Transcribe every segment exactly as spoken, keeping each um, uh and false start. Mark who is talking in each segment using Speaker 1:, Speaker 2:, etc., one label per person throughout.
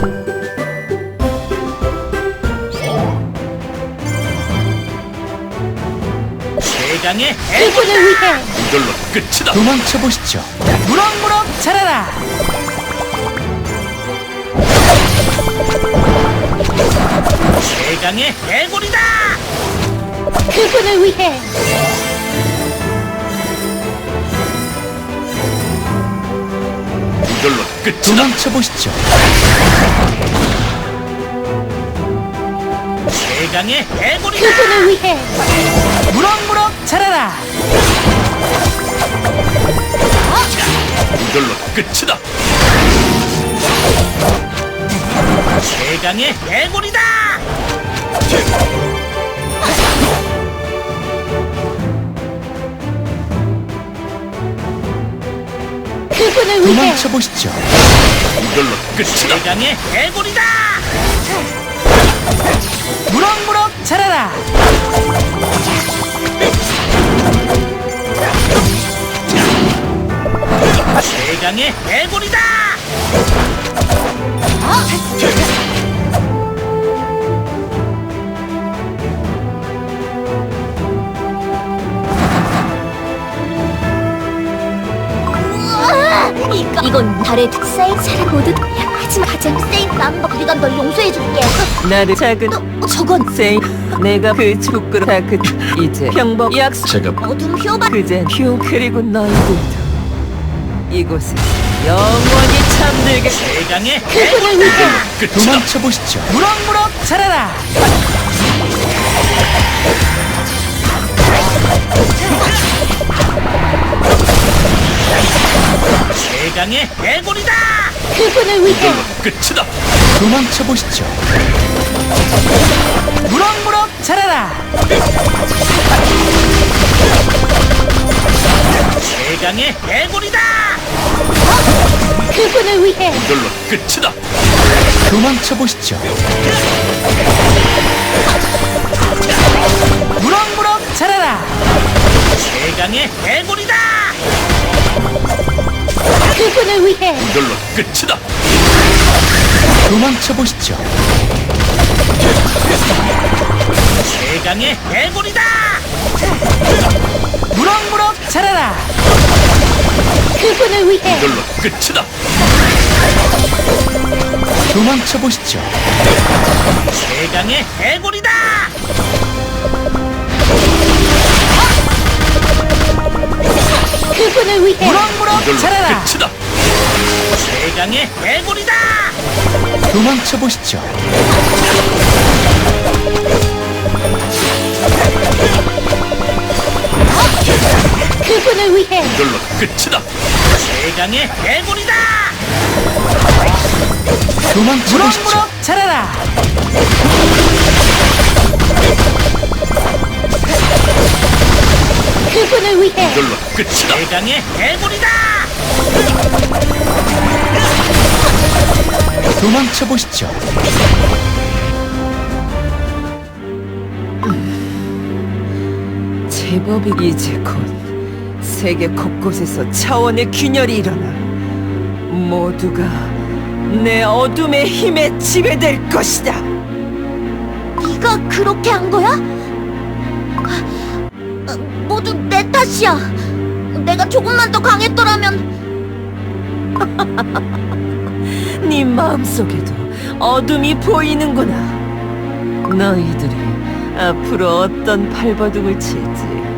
Speaker 1: 대강의
Speaker 2: 그분을 위해
Speaker 1: 이걸로 끝이다.
Speaker 3: 도망쳐 보시죠.
Speaker 4: 무럭무럭 자라라.
Speaker 1: 대강의 해골이다.
Speaker 2: 그분을 위해
Speaker 1: 이걸로 끝이다.
Speaker 3: 도망쳐 보시죠.
Speaker 1: 대강의 해골이다.
Speaker 2: 그분을 위해
Speaker 4: 무럭무럭 자라라.
Speaker 1: 이걸로 끝이다. 대강의 해골이다.
Speaker 2: 그분을 위해
Speaker 3: 도망쳐 보시죠.
Speaker 1: 이걸로 끝이다. 대강의 해골이다.
Speaker 4: 무럭무럭 자라라.
Speaker 1: 대강의 해골이다.
Speaker 2: 우와, 이거 이건 달의 특사인 사람 모두 야, 하지만 가장 세인 남박 우리가 널 용서해줄게.
Speaker 4: 나를 작은
Speaker 2: 어, 저건
Speaker 4: 세이 내가 그 부끄러 다그 이제 평범 약속
Speaker 1: 제가
Speaker 2: 어둠 효바.
Speaker 4: 그젠 휴 그리고 너희들도 이곳에 영원히 잠들게.
Speaker 1: 대강의
Speaker 2: 그분을 위해
Speaker 1: 끝이다.
Speaker 3: 도망쳐 보시죠.
Speaker 4: 무럭무럭 자라라.
Speaker 1: 대강의 해골이다.
Speaker 2: 그분을 위해
Speaker 1: 이걸로 끝이다.
Speaker 3: 도망쳐 보시죠.
Speaker 4: 무럭무럭 자라라.
Speaker 1: 대강의 해골이다.
Speaker 2: 그분을 위해
Speaker 1: 이걸로 끝이다.
Speaker 3: 도망쳐 보시죠.
Speaker 4: 무럭무럭 자라라.
Speaker 1: 대강의 해골이다.
Speaker 2: 그분을 위해
Speaker 1: 이걸로 끝이다.
Speaker 3: 도망쳐 보시죠.
Speaker 1: 대강의 해골이다.
Speaker 4: 무럭무럭 자라라.
Speaker 2: 그분을 위해
Speaker 1: 이걸로 끝이다.
Speaker 3: 도망쳐 보시죠.
Speaker 1: 대강의 해골이다.
Speaker 2: 그분을 위해
Speaker 4: 무럭무럭
Speaker 1: 이걸로
Speaker 4: 자라라.
Speaker 1: 끝이다. 대강의 해골이다.
Speaker 3: 도망쳐 보시죠.
Speaker 2: 그분을 위해
Speaker 1: 이걸로 끝이다. 대강의 해골이다.
Speaker 3: 도망쳐 보시죠.
Speaker 4: 무럭무럭 자라라.
Speaker 2: 그분을 위해
Speaker 1: 이걸로 끝이다. 대강의 해골이다.
Speaker 3: 도망쳐 보시죠.
Speaker 4: 제법이 이제 곧 세계 곳곳에서 차원의 균열이 일어나 모두가 내 어둠의 힘에 지배될 것이다.
Speaker 2: 네가 그렇게 한 거야? 어, 모두 내 탓이야. 내가 조금만 더 강했더라면.
Speaker 4: 네 마음속에도 어둠이 보이는구나. 너희들이 앞으로 어떤 발버둥을 칠지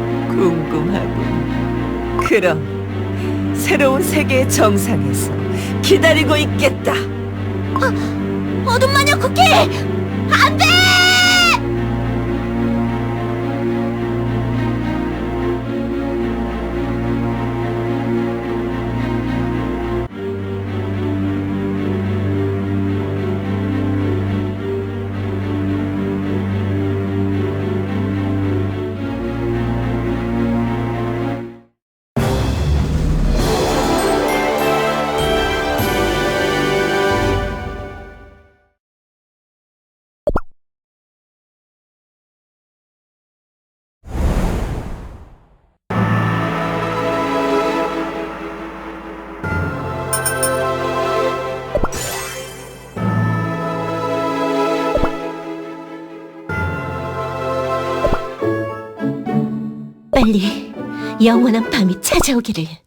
Speaker 4: 궁금하군. 그럼 새로운 세계의 정상에서 기다리고 있겠다.
Speaker 2: 어둠 마녀 쿠키! 안 돼! 빨리 영원한 밤이 찾아오기를.